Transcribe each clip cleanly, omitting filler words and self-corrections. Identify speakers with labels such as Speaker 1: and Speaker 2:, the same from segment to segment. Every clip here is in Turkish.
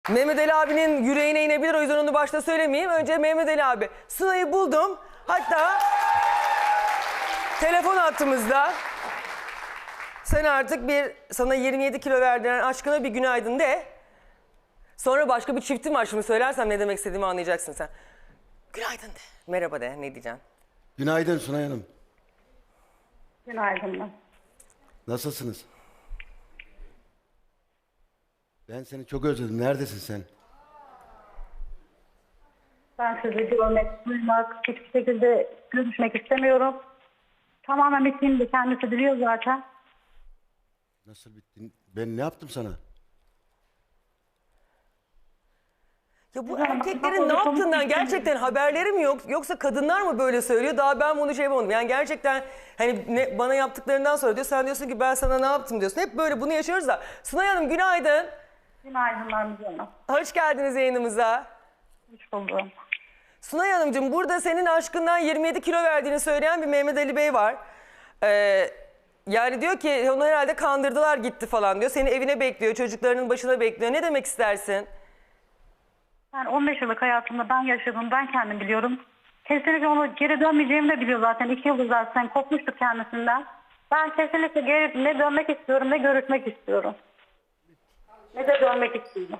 Speaker 1: Mehmet Ali abinin yüreğine inebilir, o yüzden onu başta söylemeyeyim. Önce Mehmet Ali abi. Sıla'yı buldum. Hatta telefon hattımızda. Sen artık sana 27 kilo verdiren aşkına bir günaydın de. Sonra başka bir çiftim var, şimdi söylersem ne demek istediğimi anlayacaksın sen. Günaydın de. Merhaba de, ne diyeceksin?
Speaker 2: Günaydın Sunay Hanım.
Speaker 3: Günaydın.
Speaker 2: Nasılsınız? Ben seni çok özledim. Neredesin sen?
Speaker 3: Ben sizi görmek, duymak, hiçbir şekilde görüşmek istemiyorum. Tamamen bittiğini de kendisi biliyor zaten.
Speaker 2: Nasıl bittin? Ben ne yaptım sana?
Speaker 1: Ya bu erkeklerin ne yaptığından gerçekten haberleri mi yok? Yoksa kadınlar mı böyle söylüyor? Daha ben bunu şey yapamadım. Yani gerçekten hani bana yaptıklarından sonra diyor. Sen diyorsun ki ben sana ne yaptım diyorsun. Hep böyle bunu yaşıyoruz da. Sunay Hanım günaydın.
Speaker 3: Günaydınlar Müge Hanım.
Speaker 1: Hoş geldiniz yayınımıza.
Speaker 3: Hoş buldum.
Speaker 1: Sunay Hanımcığım, burada senin aşkından 27 kilo verdiğini söyleyen bir Mehmet Ali Bey var. Yani diyor ki onu herhalde kandırdılar gitti falan diyor. Seni evine bekliyor, çocuklarının başına bekliyor. Ne demek istersin?
Speaker 3: Ben 15 yıllık hayatımda ben yaşadım, ben kendim biliyorum. Kesinlikle onu geri dönmeyeceğimi de biliyor zaten. 2 yıldır zaten kopmuştuk kendisinden. Ben kesinlikle geri ne dönmek istiyorum ne görüşmek istiyorum. Ne de dönmek istiyorum.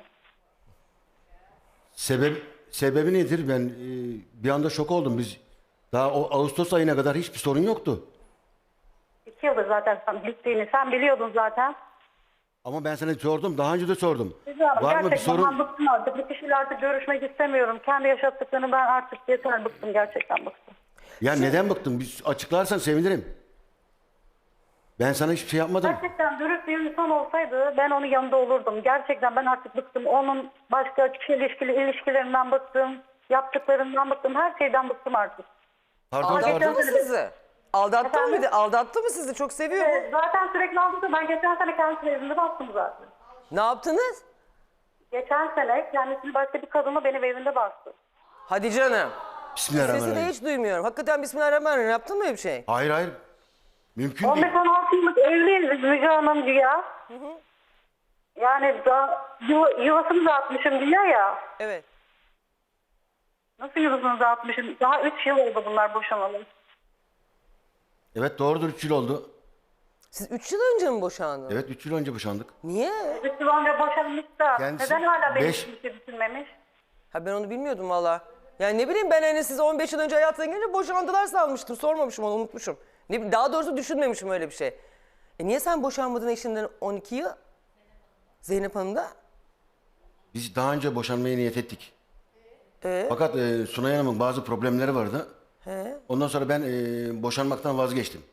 Speaker 2: Sebebi nedir? Ben bir anda şok oldum. Biz daha o Ağustos ayına kadar hiçbir sorun yoktu.
Speaker 3: 2 yıldır zaten sen gittiğini sen biliyordun zaten.
Speaker 2: Ama ben sana sordum. Daha önce de sordum.
Speaker 3: Güzel,
Speaker 2: Var mı bir
Speaker 3: gerçekten
Speaker 2: sorun?
Speaker 3: ben bıktım artık. Bir kişiyle artık görüşmek istemiyorum. Kendi yaşattıklarını ben artık yeter bıktım. Gerçekten bıktım.
Speaker 2: Ya neden bıktın? Bir açıklarsan sevinirim. Ben sana hiçbir şey yapmadım.
Speaker 3: Gerçekten dürüst bir insan olsaydı ben onun yanında olurdum. Gerçekten ben artık bıktım. Onun başka ilişkilerinden bıktım. Yaptıklarından bıktım. Her şeyden bıktım artık.
Speaker 2: Pardon,
Speaker 1: Aldattı
Speaker 2: pardon.
Speaker 1: mı sizi? Aldattı mı bir
Speaker 3: Efendim?
Speaker 1: de? Aldattı mı sizi? Çok seviyor mu?
Speaker 3: Zaten sürekli aldatıyor. Ben geçen sene kendisinin evinde bastım zaten.
Speaker 1: Ne yaptınız?
Speaker 3: Geçen sene kendisini başka bir kadınla benim evimde bastı.
Speaker 1: Hadi canım. Sesi de
Speaker 2: Bismillahirrahmanirrahim.
Speaker 1: hiç duymuyorum. Hakikaten Bismillahirrahmanirrahim. Yaptın mı öyle bir şey?
Speaker 2: Hayır hayır. Mümkün değil.
Speaker 3: 15-16 yıllık evliyiz biz Müge Hanım ya. Yani daha yuvasını dağıtmışım diyor ya.
Speaker 1: Evet.
Speaker 3: Nasıl yuvasını dağıtmışım? Daha 3 yıl oldu bunlar boşanalı.
Speaker 2: Evet doğrudur, 3 yıl oldu.
Speaker 1: Siz 3 yıl önce mi boşandınız?
Speaker 2: Evet 3 yıl önce boşandık.
Speaker 1: Niye?
Speaker 3: 3 yıl önce boşanmış da
Speaker 2: Kendisi
Speaker 3: neden hala benim
Speaker 2: beş-
Speaker 3: için bir şey düşünmemiş?
Speaker 1: Ha, ben onu bilmiyordum valla. Yani ne bileyim, ben hani siz 15 yıl önce hayatına gelince boşandılar sanmıştım. Sormamışım onu, unutmuşum. Ne bileyim, daha doğrusu düşünmemişim öyle bir şey. Niye sen boşanmadın eşinden 12 yıl? Zeynep Hanım da?
Speaker 2: Biz daha önce boşanmaya niyet ettik. Fakat Sunay Hanım'ın bazı problemleri vardı. Ondan sonra ben boşanmaktan vazgeçtim.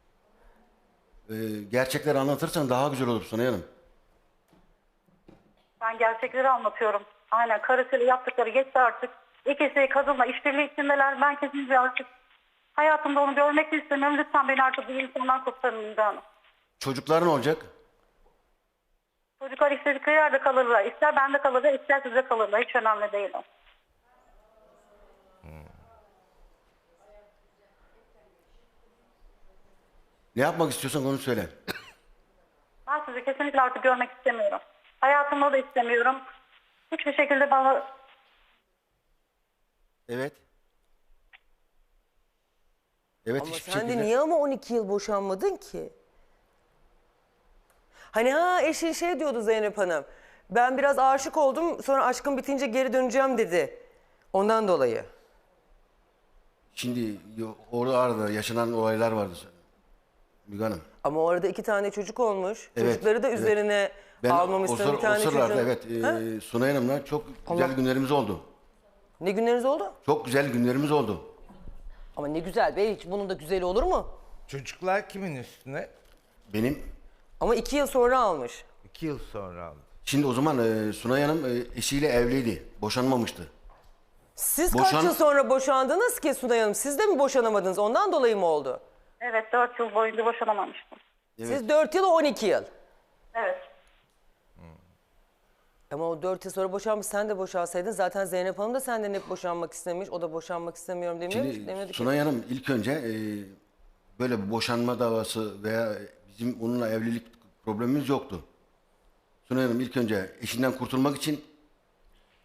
Speaker 2: Gerçekleri anlatırsan daha güzel olur Sunay Hanım.
Speaker 3: Ben gerçekleri anlatıyorum. Aynen, karısıyla yaptıkları geçti artık. İkisi kadınla işbirliği içindeler. Ben kesinlikle artık hayatımda onu görmek de istemiyorum. Lütfen beni artık bu insandan kurtarın Müge Hanım.
Speaker 2: Çocukların olacak.
Speaker 3: Çocuklar istedikleri yerde kalırlar. İster bende kalırlar, ister size kalırlar. Hiç önemli değil o.
Speaker 2: Ne yapmak istiyorsan onu söyle.
Speaker 3: Ben sizi kesinlikle artık görmek istemiyorum. Hayatımda da istemiyorum. Hiçbir şekilde bana...
Speaker 2: Evet. Evet,
Speaker 1: Ama
Speaker 2: hiçbir
Speaker 1: sen de
Speaker 2: şekilde.
Speaker 1: niye ama 12 yıl boşanmadın ki? Hani eşin şey diyordu Zeynep Hanım. Ben biraz aşık oldum, sonra aşkım bitince geri döneceğim dedi. Ondan dolayı.
Speaker 2: Şimdi orada arada yaşanan olaylar vardı Müge Hanım.
Speaker 1: Ama o arada 2 tane çocuk olmuş.
Speaker 2: Evet,
Speaker 1: Çocukları da
Speaker 2: evet.
Speaker 1: üzerine almamışsın bir tane çocuğun.
Speaker 2: evet Sunay Hanım'la çok güzel günlerimiz oldu.
Speaker 1: Ne günleriniz oldu?
Speaker 2: Çok güzel günlerimiz oldu.
Speaker 1: Ama ne güzel be, hiç bunun da güzeli olur mu?
Speaker 4: Çocuklar kimin üstüne?
Speaker 2: Benim
Speaker 1: Ama 2 yıl sonra almış.
Speaker 4: 2 yıl sonra aldı.
Speaker 2: şimdi o zaman Sunay Hanım eşiyle evliydi. Boşanmamıştı.
Speaker 1: Siz kaç
Speaker 2: Boşan-
Speaker 1: yıl sonra boşandınız ki Sunay Hanım? Siz de mi boşanamadınız? Ondan dolayı mı oldu?
Speaker 3: Evet, 4 yıl boyunca boşanamamıştım.
Speaker 1: Siz 4 yıl, o 12 yıl.
Speaker 3: Evet.
Speaker 1: Ama o 4 yıl sonra boşanmış, sen de boşansaydın zaten Zeynep Hanım da senden hep boşanmak istemiş. O da boşanmak istemiyorum demiyormuş.
Speaker 2: Şimdi
Speaker 1: Demiyordu ki.
Speaker 2: Sunay Hanım ilk önce böyle bir boşanma davası veya bizim onunla evlilik problemimiz yoktu. Sunay Hanım ilk önce eşinden kurtulmak için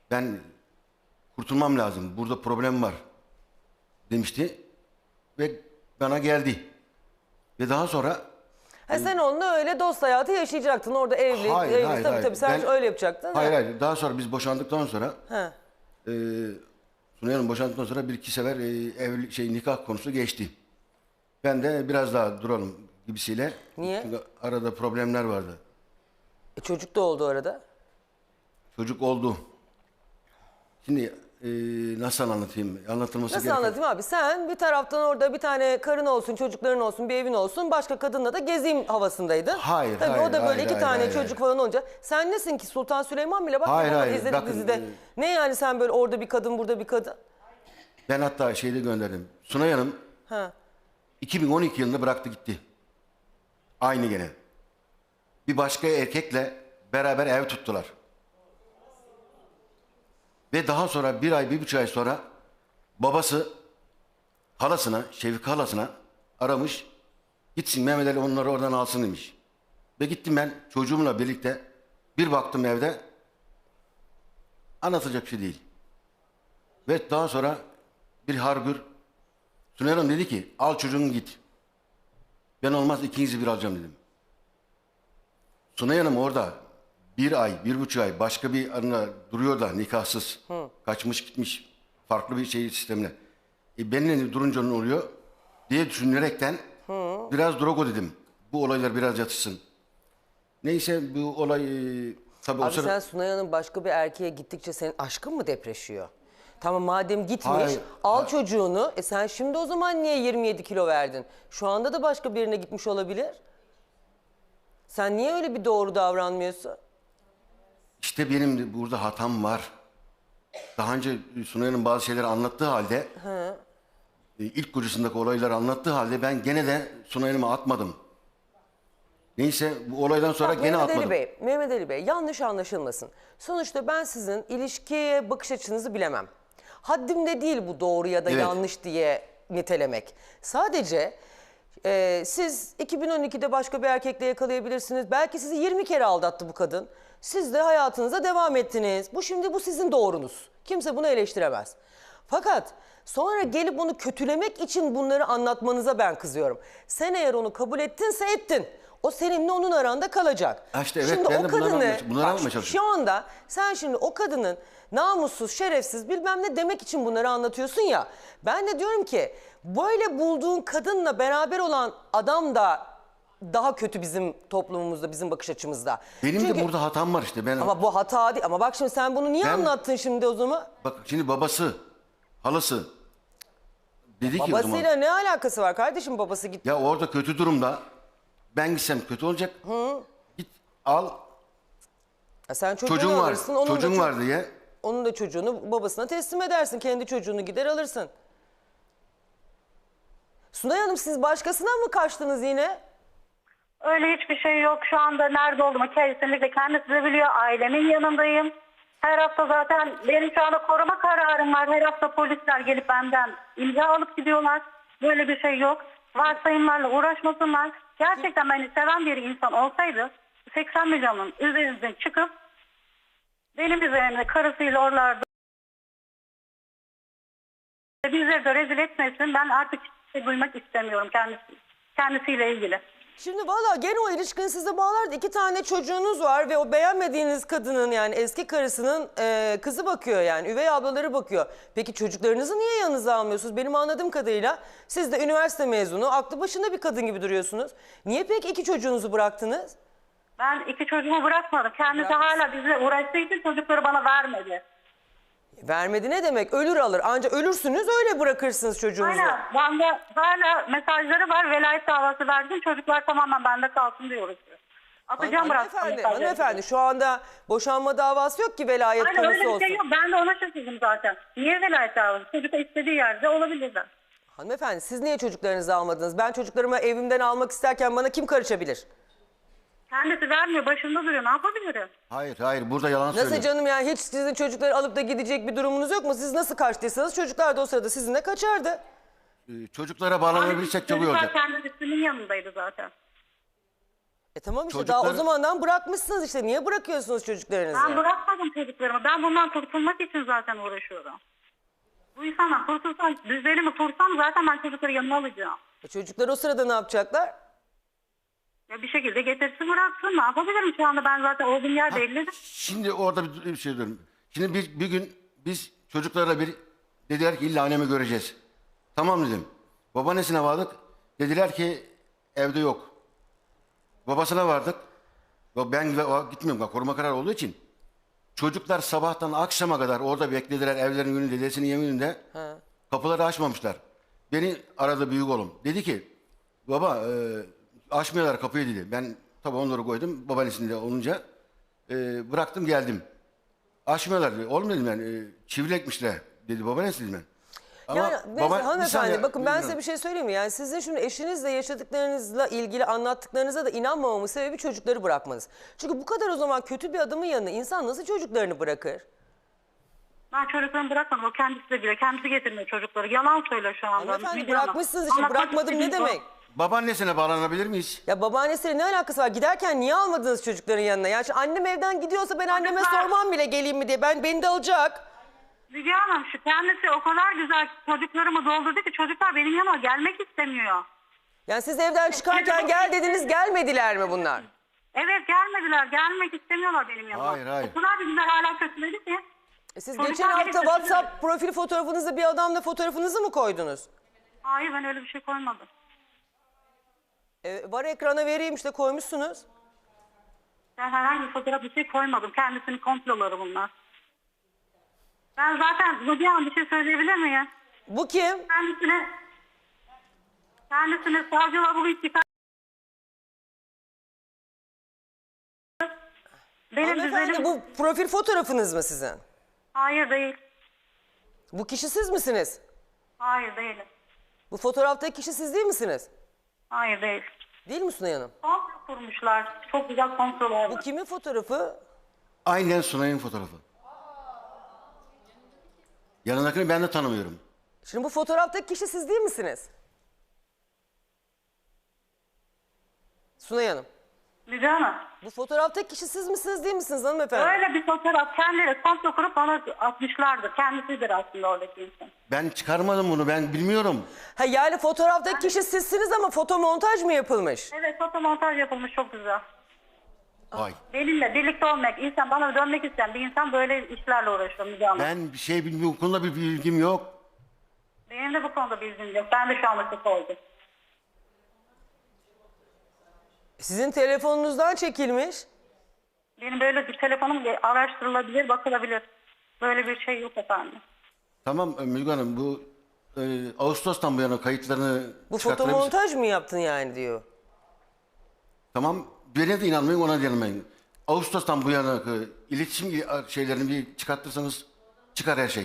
Speaker 2: Ben kurtulmam lazım. Burada problem var demişti. Ve bana geldi. Ve daha sonra
Speaker 1: Sen onunla öyle dost hayatı yaşayacaktın. Orada evli.
Speaker 2: Hayır,
Speaker 1: Tabii sen
Speaker 2: Ben-
Speaker 1: öyle yapacaktın.
Speaker 2: Hayır. Daha sonra biz boşandıktan sonra
Speaker 1: Ha.
Speaker 2: Sunay Hanım boşandıktan sonra bir iki sefer nikah konusu geçti. Ben de biraz daha duralım gibisiyle.
Speaker 1: Niye?
Speaker 2: Çünkü arada problemler vardı.
Speaker 1: Çocuk da oldu arada.
Speaker 2: Çocuk oldu. Şimdi nasıl anlatayım? Anlatılması
Speaker 1: Nasıl
Speaker 2: gereken.
Speaker 1: anlatayım abi? Sen bir taraftan orada bir tane karın olsun, çocukların olsun, bir evin olsun. Başka kadınla da gezeyim havasındaydın.
Speaker 2: Hayır,
Speaker 1: Tabii
Speaker 2: hayır,
Speaker 1: o da böyle
Speaker 2: hayır,
Speaker 1: iki
Speaker 2: hayır,
Speaker 1: tane
Speaker 2: hayır,
Speaker 1: çocuk
Speaker 2: hayır.
Speaker 1: falan olunca. Sen nesin ki Sultan Süleyman bile? Bak
Speaker 2: Hayır,
Speaker 1: bana
Speaker 2: hayır,
Speaker 1: izledik
Speaker 2: bakın,
Speaker 1: dizide. Ne yani sen böyle orada bir kadın, burada bir kadın?
Speaker 2: Ben hatta şeyde gönderdim. Sunay Hanım
Speaker 1: Ha.
Speaker 2: 2012 yılında bıraktı gitti. Aynı gene. Bir başka erkekle beraber ev tuttular. Ve daha sonra bir ay, 1,5 ay sonra babası halasına, Şevki halasına aramış. Gitsin Mehmet Ali onları oradan alsın demiş. Ve gittim ben çocuğumla birlikte. Bir baktım evde. Anlatacak bir şey değil. Ve daha sonra bir hargür Sunay Hanım dedi ki al çocuğunu git. Ben olmaz ikinizi bir alacağım dedim. Sunay Hanım orada bir ay, 1,5 ay başka bir arına duruyor da nikahsız. Kaçmış gitmiş farklı bir şey sistemine. Benimle durunca ne oluyor diye düşünerekten biraz drogo dedim. Bu olaylar biraz yatışsın. Neyse bu olay tabii o
Speaker 1: Abi
Speaker 2: sırada...
Speaker 1: sen Sunay Hanım başka bir erkeğe gittikçe senin aşkın mı depreşiyor? Tamam madem gitmiş
Speaker 2: Hayır,
Speaker 1: al çocuğunu. Sen şimdi o zaman niye 27 kilo verdin? Şu anda da başka birine gitmiş olabilir. Sen niye öyle bir doğru davranmıyorsun?
Speaker 2: İşte benim de burada hatam var. Daha önce Sunay'ın bazı şeyleri anlattığı halde ilk kocasındaki olayları anlattığı halde ben gene de Sunay'ımı atmadım. Neyse bu olaydan sonra
Speaker 1: Bak,
Speaker 2: gene
Speaker 1: Mehmet
Speaker 2: atmadım.
Speaker 1: Ali Bey, Mehmet Ali Bey yanlış anlaşılmasın. Sonuçta ben sizin ilişkiye bakış açınızı bilemem. Haddimde değil bu doğru ya da
Speaker 2: Evet.
Speaker 1: yanlış diye nitelemek. Sadece siz 2012'de başka bir erkekle yakalayabilirsiniz. Belki sizi 20 kere aldattı bu kadın. Siz de hayatınıza devam ettiniz. Bu sizin doğrunuz. Kimse bunu eleştiremez. Fakat sonra gelip onu kötülemek için bunları anlatmanıza ben kızıyorum. Sen eğer onu kabul ettinse ettin. O seninle onun aranda kalacak.
Speaker 2: Ha işte evet, ben de bunları anlatmaya çalışıyorum.
Speaker 1: Şu anda sen şimdi o kadının namussuz, şerefsiz bilmem ne demek için bunları anlatıyorsun ya. Ben de diyorum ki böyle bulduğun kadınla beraber olan adam da daha kötü bizim toplumumuzda, bizim bakış açımızda.
Speaker 2: Benim
Speaker 1: Çünkü-
Speaker 2: de burada hatam var işte.
Speaker 1: Ama bu hata değil. Ama bak şimdi sen bunu niye
Speaker 2: Ben-
Speaker 1: anlattın şimdi o zaman?
Speaker 2: Bak şimdi babası, halası dedi ki o zaman.
Speaker 1: Babasıyla ne alakası var kardeşim, babası gitti.
Speaker 2: Ya orada kötü durumda ben gitsem kötü olacak. Git al
Speaker 1: Ya sen çocuğunu
Speaker 2: çocuğun var.
Speaker 1: alırsın. Onun
Speaker 2: Çocuğun
Speaker 1: da
Speaker 2: var diye.
Speaker 1: Onun da çocuğunu babasına teslim edersin. Kendi çocuğunu gider alırsın. Sunay Hanım siz başkasına mı kaçtınız yine?
Speaker 3: Öyle hiçbir şey yok. Şu anda nerede olduğumu kesinlikle kendisi de biliyor. Ailemin yanındayım. Her hafta zaten benim şu anda koruma kararım var. Her hafta polisler gelip benden imza alıp gidiyorlar. Böyle bir şey yok. Varsayımlarla uğraşmasınlar. Gerçekten beni seven bir insan olsaydı 80 milyonun üzerinde çıkıp benim üzerimde karısıyla oralarda bizleri de rezil etmesin. Ben artık hiçbir şey duymak istemiyorum kendisiyle ilgili.
Speaker 1: Şimdi valla gene o ilişkinin size bağlardı. 2 tane çocuğunuz var ve o beğenmediğiniz kadının yani eski karısının kızı bakıyor yani. Üvey ablaları bakıyor. Peki çocuklarınızı niye yanınıza almıyorsunuz? Benim anladığım kadarıyla siz de üniversite mezunu, aklı başında bir kadın gibi duruyorsunuz. Niye peki 2 çocuğunuzu bıraktınız?
Speaker 3: Ben 2 çocuğumu bırakmadım. Kendisi hala bizle uğraştığı için çocukları bana vermedi.
Speaker 1: Vermedi ne demek? Ölür alır. Ancak ölürsünüz öyle bırakırsınız çocuğunuzu.
Speaker 3: Aynen. Bende hala mesajları var. Velayet davası verdim. Çocuklar tamamen bende kalsın diyoruz. Atacağım bıraktım mesajları.
Speaker 1: Hanımefendi şu anda boşanma davası yok ki velayet
Speaker 3: Aynen
Speaker 1: konusu
Speaker 3: öyle bir
Speaker 1: olsun.
Speaker 3: şey yok. Ben de ona şaşırdım zaten. Niye velayet davası? Çocuk istediği yerde olabilirler.
Speaker 1: Hanımefendi siz niye çocuklarınızı almadınız? Ben çocuklarımı evimden almak isterken bana kim karışabilir?
Speaker 3: Kendisi vermiyor. Başında duruyor. Ne yapabilirim?
Speaker 2: Hayır burada yalan söylüyor.
Speaker 1: Nasıl canım yani hiç sizin çocukları alıp da gidecek bir durumunuz yok mu? Siz nasıl kaçtıysanız çocuklar da o sırada sizinle kaçardı.
Speaker 2: Çocuklara bağlanabilirsek çok iyi
Speaker 3: Çocuklar
Speaker 2: olacak.
Speaker 3: kendisinin yanındaydı zaten.
Speaker 1: Tamam işte
Speaker 2: Çocukları-
Speaker 1: daha o zamandan bırakmışsınız işte. Niye bırakıyorsunuz çocuklarınızı?
Speaker 3: Ben bırakmadım çocuklarımı. Ben bundan kurtulmak için zaten uğraşıyorum. Bu insanlar kurtulsam, düzelimi kursam zaten ben çocukları yanıma alacağım.
Speaker 1: Çocuklar o sırada ne yapacaklar?
Speaker 3: Ya bir şekilde getirsin bıraksın. Ne yapabilirim şu anda? Ben zaten olduğum yer belli.
Speaker 2: Şimdi orada bir şey diyorum. Şimdi bir gün biz çocuklarla dediler ki illa annemi göreceğiz. Tamam dedim. Babaannesine vardık. Dediler ki evde yok. Babasına vardık. Ben gitmiyorum. Bak, koruma kararı olduğu için. Çocuklar sabahtan akşama kadar orada beklediler evlerin önünde, dedesinin yemininde. Kapıları açmamışlar. Beni aradı büyük oğlum. Dedi ki baba açmıyorlar kapıyı dedi. Ben tabii onları koydum. Babaannesinde olunca bıraktım geldim. Açmıyorlar dedi. Oğlum dedim ben çivilekmişler dedi babaannesi dedim ben.
Speaker 1: Yani neyse,
Speaker 2: bir
Speaker 1: hanımefendi
Speaker 2: saniye,
Speaker 1: bakın ben
Speaker 2: bilmiyorum.
Speaker 1: size bir şey söyleyeyim mi? Yani sizin şimdi eşinizle yaşadıklarınızla ilgili anlattıklarınıza da inanmamamın sebebi çocukları bırakmanız. Çünkü bu kadar o zaman kötü bir adamın yanına insan nasıl çocuklarını bırakır?
Speaker 3: Ben çocuklarımı bırakmadım. O kendisi de biliyor. Kendisi getirmiyor çocukları. Yalan söylüyor şu anda.
Speaker 1: Hanımefendi
Speaker 3: Müge Hanım.
Speaker 1: bırakmışsınız işte
Speaker 3: Anlatmak
Speaker 1: bırakmadım ne
Speaker 3: istediğim o.
Speaker 1: demek?
Speaker 2: Babaannesine bağlanabilir miyiz?
Speaker 1: Ya babaannesiyle ne alakası var? Giderken niye almadınız çocukların yanına? Yani şimdi annem evden gidiyorsa ben anneme
Speaker 3: Çocuklar-
Speaker 1: sormam bile geleyim mi diye. Beni de alacak.
Speaker 3: Müge Hanım şu kendisi o kadar güzel çocuklarımı doldurdu ki çocuklar benim yanıma gelmek istemiyor.
Speaker 1: Yani siz evden çıkarken gel dediniz gelmediler mi bunlar?
Speaker 3: Evet gelmediler. Gelmek istemiyorlar benim yanıma.
Speaker 2: Hayır, hayır.
Speaker 3: O kadar bir güzel hala kötüledi ki.
Speaker 1: Siz
Speaker 3: Çocuklar
Speaker 1: geçen hafta
Speaker 3: beni
Speaker 1: WhatsApp profil fotoğrafınızda bir adamla fotoğrafınızı mı koydunuz?
Speaker 3: Hayır ben öyle bir şey koymadım.
Speaker 1: Var ekrana vereyim işte koymuşsunuz.
Speaker 3: Ben herhangi bir fotoğraf bir şey koymadım. Kendisinin komploları bunlar. Ben zaten Müge Hanım bir şey söyleyebilir miyim?
Speaker 1: Bu kim?
Speaker 3: Kendisine savcılar bugün çıkar. Benim
Speaker 1: Hanımefendi
Speaker 3: düzenim...
Speaker 1: bu profil fotoğrafınız mı sizin?
Speaker 3: Hayır değil.
Speaker 1: Bu kişi siz misiniz?
Speaker 3: Hayır değilim.
Speaker 1: Bu fotoğraftaki kişi siz değil misiniz?
Speaker 3: Hayır değil.
Speaker 1: Değil mi Sunay Hanım?
Speaker 3: Komplo kurmuşlar. Çok güzel komplolar
Speaker 1: Bu
Speaker 3: var.
Speaker 1: kimin fotoğrafı?
Speaker 2: Aynen Sunay'ın fotoğrafı. Yanındakini ben de tanımıyorum.
Speaker 1: Şimdi bu fotoğraftaki kişi siz değil misiniz? Sunay Hanım.
Speaker 3: Müge Hanım.
Speaker 1: Bu fotoğraftaki kişi siz misiniz değil misiniz hanımefendi?
Speaker 3: Öyle bir fotoğraf kendileri komplo kurup bana atmışlardı. Kendisidir aslında oradaki insan.
Speaker 2: Ben çıkarmadım bunu, ben bilmiyorum.
Speaker 1: Ha yani fotoğraftaki kişi sizsiniz ama fotomontaj mı yapılmış?
Speaker 3: Evet fotomontaj yapılmış çok güzel.
Speaker 2: Vay.
Speaker 3: Benimle birlikte olmak, insan bana dönmek isteyen bir insan böyle işlerle uğraşıyor Müge Hanım.
Speaker 2: Ben bir şey bilmiyorum, bu konuda bir bilgim yok.
Speaker 3: Benim de bu konuda bilgim yok. Ben de şu anda şok oldum.
Speaker 1: Sizin telefonunuzdan çekilmiş.
Speaker 3: Benim böyle bir telefonum araştırılabilir, bakılabilir. Böyle bir şey yok efendim.
Speaker 2: Tamam Müge Hanım, bu Ağustos'tan bu yana kayıtlarını
Speaker 1: Bu
Speaker 2: çıkartabilir misin?
Speaker 1: fotomontaj mı yaptın yani diyor.
Speaker 2: Tamam, birine de inanmayın, ona da inanmayın. Ağustos'tan bu yana iletişim şeylerini bir çıkartırsanız çıkar her şey.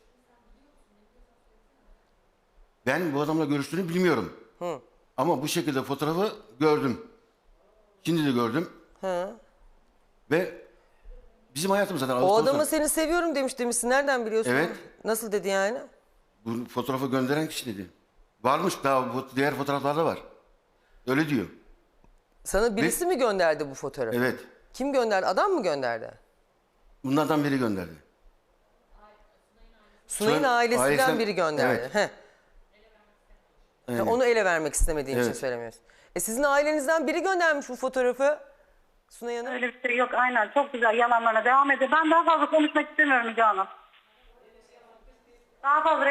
Speaker 2: Ben bu adamla görüştüğünü bilmiyorum. Ama bu şekilde fotoğrafı gördüm. Şimdi de gördüm. Ve bizim hayatımız zaten
Speaker 1: O
Speaker 2: Ağustos'ta.
Speaker 1: adama seni seviyorum demişsin. Nereden biliyorsun?
Speaker 2: Evet.
Speaker 1: Nasıl dedi yani?
Speaker 2: Bu fotoğrafı gönderen kişi dedi. Varmış, daha bu diğer fotoğraflarda var. Öyle diyor.
Speaker 1: Sana birisi mi gönderdi bu fotoğrafı?
Speaker 2: Evet.
Speaker 1: Kim gönderdi? Adam mı gönderdi?
Speaker 2: Bunlardan biri gönderdi.
Speaker 1: Sunay'ın
Speaker 2: Sunay-
Speaker 1: ailesinden
Speaker 2: ailesinden-
Speaker 1: biri gönderdi.
Speaker 2: Evet.
Speaker 1: Heh.
Speaker 2: Aynen.
Speaker 1: Onu ele vermek istemediğin için
Speaker 2: Evet.
Speaker 1: söylemiyorsun. Sizin ailenizden biri göndermiş bu fotoğrafı. Sunay Hanım.
Speaker 3: Öyle bir şey yok aynen. Çok güzel yalanlarına devam ediyor. Ben daha fazla konuşmak istemiyorum Müge Hanım. Daha fazla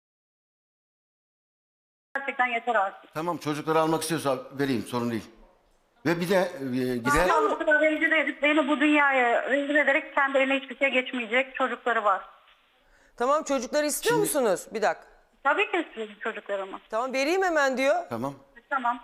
Speaker 3: gerçekten yeter artık.
Speaker 2: Tamam, çocukları almak istiyorsa vereyim, sorun değil. Ve bir de gider...
Speaker 3: Daha bu kadar rencide edip beni bu dünyaya rencide ederek kendi eline hiçbir şey geçmeyecek çocukları var.
Speaker 1: Tamam çocukları istiyor musunuz? Bir dakika.
Speaker 3: Tabii ki istiyorum çocuklarımı.
Speaker 1: Tamam vereyim hemen diyor.
Speaker 2: Tamam.
Speaker 3: Tamam.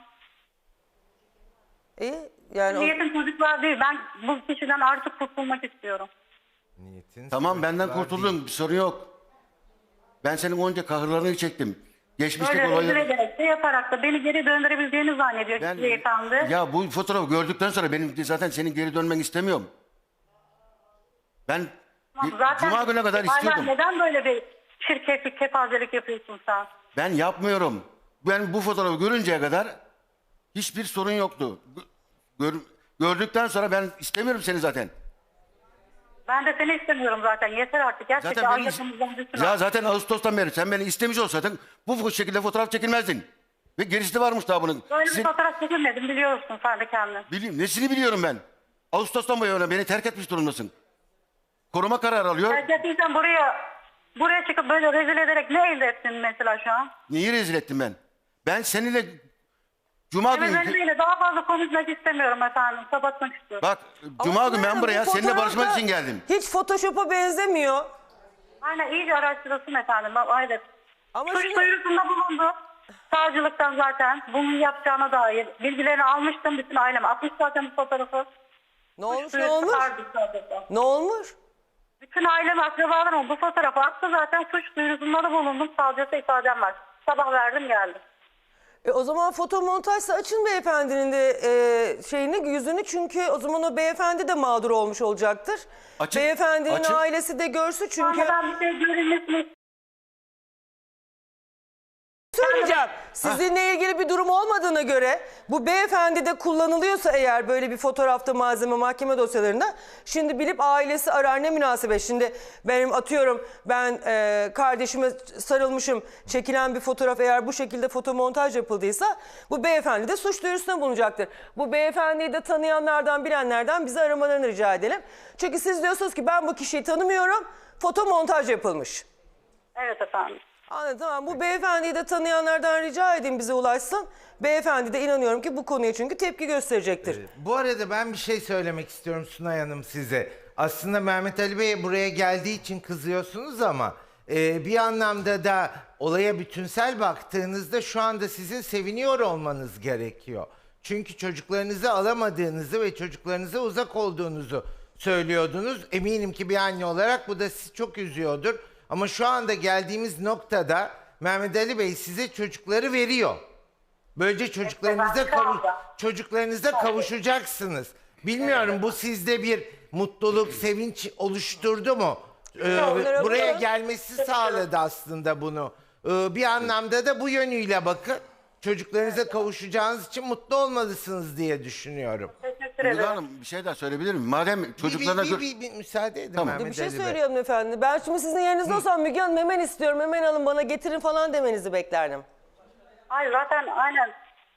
Speaker 1: İyi. Yani
Speaker 3: Niyetim çocuklar değil. Ben bu kişiden artık kurtulmak istiyorum.
Speaker 4: Niyetin
Speaker 2: Tamam, benden
Speaker 4: çocuklar
Speaker 2: kurtuldun, bir sorun yok. Ben senin onca kahırlarını çektim. Geçmişteki
Speaker 3: Böyle rencide
Speaker 2: olayları...
Speaker 3: ederek de yaparak da beni geri döndürebileceğini zannediyor
Speaker 2: Ben,
Speaker 3: beyefendi.
Speaker 2: ya bu fotoğrafı gördükten sonra benim zaten senin geri dönmeni istemiyorum. Ben
Speaker 3: Zaten
Speaker 2: Cuma gününe kadar
Speaker 3: hala
Speaker 2: istiyordum.
Speaker 3: neden böyle bir şirketlik, kepazelik yapıyorsun sen?
Speaker 2: Ben yapmıyorum. Ben bu fotoğrafı görünceye kadar hiçbir sorun yoktu. Gördükten sonra ben istemiyorum seni zaten.
Speaker 3: Ben de seni istemiyorum zaten. Yeter artık. Gerçekten
Speaker 2: Zaten beni,
Speaker 3: ayrıldığımızdan düşün.
Speaker 2: ya zaten Ağustos'tan beri sen beni istemiş olsaydın bu şekilde fotoğraf çekilmezdin. Ve gerisi de varmış daha bunun.
Speaker 3: Böyle bir
Speaker 2: Sizin-
Speaker 3: fotoğraf çekilmedim biliyorsun sen de kendin.
Speaker 2: Nesini biliyorum ben? Ağustos'tan bu yana beni terk etmiş durumdasın. Koruma kararı alıyor.
Speaker 3: Gerçekten buraya çıkıp böyle rezil ederek ne elde ettin mesela şu an?
Speaker 2: Niye rezil ettim ben? Ben seninle Cuma günü...
Speaker 3: Evet, daha fazla konuşmak istemiyorum efendim. Kapatmak istiyorum.
Speaker 2: Bak
Speaker 1: Ama
Speaker 2: Cuma günü ben
Speaker 1: efendim,
Speaker 2: buraya
Speaker 1: bu
Speaker 2: seninle barışmak
Speaker 1: fotoğrafta
Speaker 2: için geldim.
Speaker 1: Hiç Photoshop'a benzemiyor.
Speaker 3: Aynen iyice araştırılsın efendim. Aynen.
Speaker 1: Ama
Speaker 3: Suç
Speaker 1: şimdi-
Speaker 3: duyurusunda bulundu. Savcılıktan zaten bunu yapacağına dair bilgilerini almıştım. Bütün ailem atmış zaten bu fotoğrafı.
Speaker 1: Ne olmuş,
Speaker 3: Suç
Speaker 1: ne
Speaker 3: duyurusu
Speaker 1: olmuş?
Speaker 3: vardı zaten.
Speaker 1: Ne olmuş?
Speaker 3: Bütün ailem, akrabalarım bu fotoğrafı attı zaten. Suç duyurusunda da bulundum. Savcısı ifadem var. Sabah verdim geldim.
Speaker 1: O zaman fotomontajsa açın beyefendinin de şeyini, yüzünü, çünkü o zaman o beyefendi de mağdur olmuş olacaktır.
Speaker 2: Açın,
Speaker 1: Beyefendinin
Speaker 2: açın.
Speaker 1: ailesi de görsün çünkü.
Speaker 3: Sonra ben bir şey görünmesini
Speaker 1: Söyleyeceğim. Sizinle ilgili bir durum olmadığına göre bu beyefendi de kullanılıyorsa eğer böyle bir fotoğrafta malzeme mahkeme dosyalarında, şimdi bilip ailesi arar, ne münasebet. Şimdi benim atıyorum ben kardeşime sarılmışım, çekilen bir fotoğraf eğer bu şekilde fotomontaj yapıldıysa bu beyefendi de suç duyurusunda bulunacaktır. Bu beyefendiyi de tanıyanlardan, bilenlerden bizi aramalarını rica edelim. Çünkü siz diyorsunuz ki ben bu kişiyi tanımıyorum, fotomontaj yapılmış.
Speaker 3: Evet efendim.
Speaker 1: Anladım, tamam. Bu beyefendiyi de tanıyanlardan rica edin bize ulaşsın. Beyefendi de inanıyorum ki bu konuya çünkü tepki gösterecektir.
Speaker 4: Bu arada ben bir şey söylemek istiyorum Sunay Hanım size. Aslında Mehmet Ali Bey buraya geldiği için kızıyorsunuz ama bir anlamda da olaya bütünsel baktığınızda şu anda sizin seviniyor olmanız gerekiyor. Çünkü çocuklarınızı alamadığınızı ve çocuklarınıza uzak olduğunuzu söylüyordunuz. Eminim ki bir anne olarak bu da sizi çok üzüyordur. Ama şu anda geldiğimiz noktada Mehmet Ali Bey size çocukları veriyor. Böylece çocuklarınıza kavuşacaksınız. Bilmiyorum bu sizde bir mutluluk, sevinç oluşturdu mu? Buraya gelmesi sağladı aslında bunu. Bir anlamda da bu yönüyle bakın. Çocuklarınıza kavuşacağınız için mutlu olmalısınız diye düşünüyorum.
Speaker 3: Teşekkür
Speaker 2: Müge
Speaker 3: ederim.
Speaker 2: Hanım bir şey daha söyleyebilir miyim? Madem çocuklarına...
Speaker 4: Bir müsaade edin
Speaker 2: Tamam.
Speaker 4: Mehmet
Speaker 1: Bir şey
Speaker 4: Ali Bey.
Speaker 1: söylüyorum efendim. Ben şimdi sizin yerinizde olsam Müge Hanım hemen istiyorum, hemen alın bana getirin falan demenizi beklerdim.
Speaker 3: Hayır zaten aynen.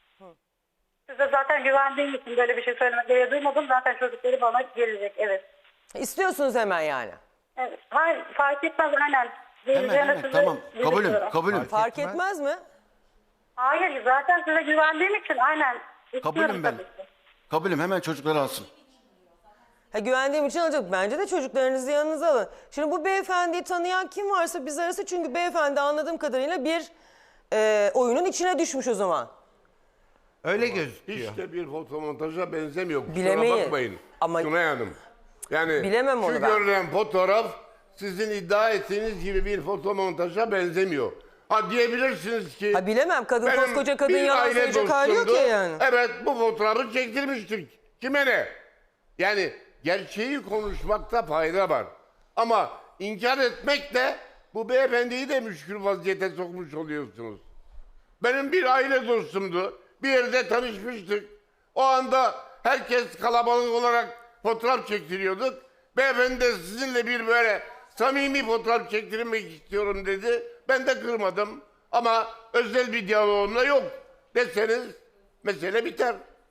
Speaker 3: Size zaten güvendiğim için böyle bir şey söylemek gereği duymadım. Zaten çocukları bana gelecek. Evet.
Speaker 1: İstiyorsunuz hemen yani.
Speaker 3: Evet. Hayır fark etmez aynen.
Speaker 2: Hemen tamam kabulüm.
Speaker 1: Fark
Speaker 4: etmez.
Speaker 1: etmez mi?
Speaker 3: Hayır zaten size güvendiğim için aynen.
Speaker 2: Kabulüm
Speaker 3: istiyorum
Speaker 2: ben.
Speaker 3: tabii ki.
Speaker 2: Kabulüm hemen çocukları alsın.
Speaker 1: Ha, güvendiğim için alacak. Bence de çocuklarınızı yanınıza alın. Şimdi bu beyefendiyi tanıyan kim varsa biz arası, çünkü beyefendi anladığım kadarıyla bir oyunun içine düşmüş o zaman.
Speaker 4: Öyle gözüküyor.
Speaker 5: Hiç de bir fotomontaja benzemiyor. Kusura
Speaker 1: Bilemeyin.
Speaker 5: bakmayın.
Speaker 1: Ama-
Speaker 5: Sunay Hanım. Yani
Speaker 1: Bilemem onu
Speaker 5: şu
Speaker 1: ben.
Speaker 5: görülen fotoğraf sizin iddia ettiğiniz gibi bir fotomontaja benzemiyor. Ha diyebilirsiniz ki...
Speaker 1: Ha, bilemem. Kadın,
Speaker 5: benim
Speaker 1: koskoca kadın
Speaker 5: bir
Speaker 1: yalan
Speaker 5: aile
Speaker 1: söyleyecek hali yok
Speaker 5: dostumdu.
Speaker 1: ya yani.
Speaker 5: Evet bu fotoğrafı çektirmiştik. Kime ne? Yani gerçeği konuşmakta fayda var. Ama inkar etmekle bu beyefendiyi de müşkül vaziyete sokmuş oluyorsunuz. Benim bir aile dostumdu. Bir yerde tanışmıştık. O anda herkes kalabalık olarak fotoğraf çektiriyorduk. Beyefendi de sizinle bir böyle samimi fotoğraf çektirmek istiyorum dedi. Ben de kırmadım. Ama özel bir diyaloğumla yok deseniz mesele biter.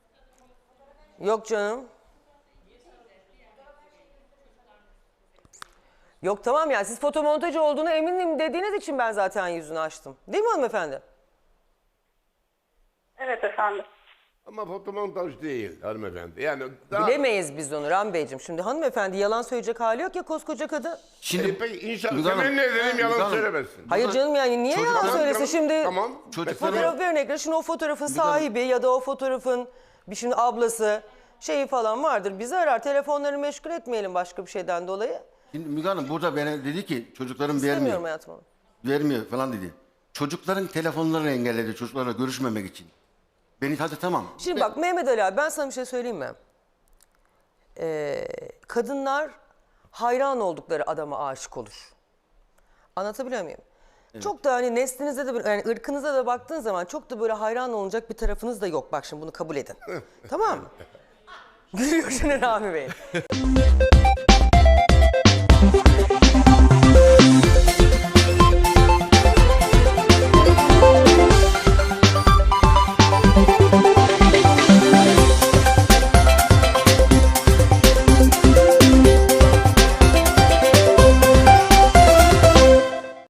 Speaker 1: Yok canım. Yok tamam, yani siz fotomontaj olduğunu eminim dediğiniz için ben zaten yüzünü açtım. Değil mi hanımefendi?
Speaker 3: Evet efendim.
Speaker 5: Ama fotomontaj değil hanımefendi. Yani daha...
Speaker 1: Bilemeyiz biz onu Ram Beyciğim. Şimdi hanımefendi yalan söyleyecek hali yok ya, koskoca kadın.
Speaker 2: Şimdi
Speaker 5: Peki inşallah
Speaker 2: Müge Hanım,
Speaker 5: temenni edelim
Speaker 2: Müge
Speaker 5: yalan
Speaker 2: Hanım,
Speaker 5: söylemesin.
Speaker 1: Hayır canım, yani niye yalan
Speaker 2: Çocuklar-
Speaker 1: söylesin şimdi?
Speaker 5: Tamam.
Speaker 2: Çocuklar-
Speaker 1: Fotoğraf örnekleri, şimdi o fotoğrafın sahibi ya da o fotoğrafın bir şimdi ablası şeyi falan vardır. Bizi arar, telefonlarını meşgul etmeyelim başka bir şeyden dolayı.
Speaker 2: Şimdi Müge Hanım burada bana dedi ki çocuklarım
Speaker 1: İstemiyorum
Speaker 2: vermiyor.
Speaker 1: hayatım onu.
Speaker 2: Vermiyor falan dedi. Çocukların telefonlarını engelledi çocuklarla görüşmemek için. Beni hadi tamam.
Speaker 1: Şimdi bak Mehmet Ali abi, ben sana bir şey söyleyeyim mi? Kadınlar hayran oldukları adama aşık olur. Anlatabiliyor muyum? Çok da hani neslinize de yani ırkınıza da baktığın zaman çok da böyle hayran olunacak bir tarafınız da yok. Bak şimdi bunu kabul edin. Tamam mı? Gülüyor şimdi Rami Bey.